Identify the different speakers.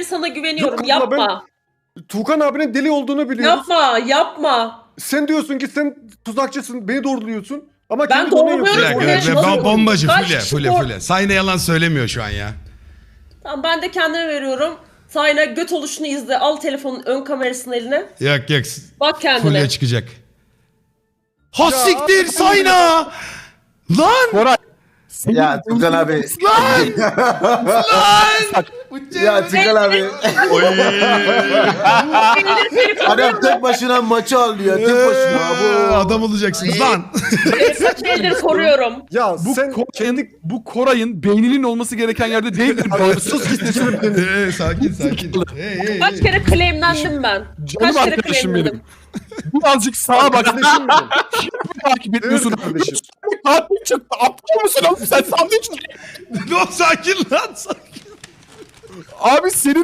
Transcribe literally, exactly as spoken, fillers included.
Speaker 1: beri sana güveniyorum.
Speaker 2: Yok,
Speaker 1: Yapma.
Speaker 2: Tuğkan abinin deli olduğunu biliyoruz.
Speaker 1: Yapma, yapma.
Speaker 2: Sen diyorsun ki sen tuzakçısın, beni doğruluyorsun. Ama
Speaker 1: Ben
Speaker 2: kendi donen
Speaker 1: doğruluyorum.
Speaker 2: yapıyorsun.
Speaker 3: Bir dakika,
Speaker 1: Nasıl-
Speaker 3: be- bom- bombacı
Speaker 1: Kaç
Speaker 3: Fule,
Speaker 1: kişi
Speaker 3: Fule,
Speaker 1: doğru-
Speaker 3: Fule. Sayne yalan söylemiyor şu an ya.
Speaker 1: Tamam ben de kendime veriyorum. Sayna göt oluşunu izle. Al telefonun ön kamerasını eline.
Speaker 3: Yok yok.
Speaker 1: Bak kendine.
Speaker 3: Fule çıkacak. Ha
Speaker 2: Ya,
Speaker 3: siktir
Speaker 2: abi,
Speaker 3: Sayna! Lan!
Speaker 4: Koray.
Speaker 5: Ya Tukan abi.
Speaker 3: Lan! Lan!
Speaker 5: Ya Tukan abi. Adam tek başına maçı alıyor. Tek başına.
Speaker 3: Ee,
Speaker 5: Bu.
Speaker 3: Adam olacaksınız lan.
Speaker 1: Kaç eldir koruyorum.
Speaker 2: Ya
Speaker 4: Bu
Speaker 2: sen
Speaker 4: Koray'ın,
Speaker 2: kendi...
Speaker 4: bu Koray'ın beyninin olması gereken yerde değildir.
Speaker 2: Abi, sus git sesini beni.
Speaker 3: Ee, sakin sakin. Hey, hey,
Speaker 1: Kaç
Speaker 3: hey.
Speaker 1: kere claimlendim ben.
Speaker 4: Canım
Speaker 1: Kaç kere
Speaker 4: arkadaşım
Speaker 1: claimlendim.
Speaker 4: benim. Birazcık sağa bak.
Speaker 2: Kardeşim benim.
Speaker 4: Takip etmiyorsun.
Speaker 2: Evet kardeşim.
Speaker 4: Katil çıktı. Aptal mısın oğlum sen sandın.
Speaker 3: No, sakin lan sakin.
Speaker 4: Abi senin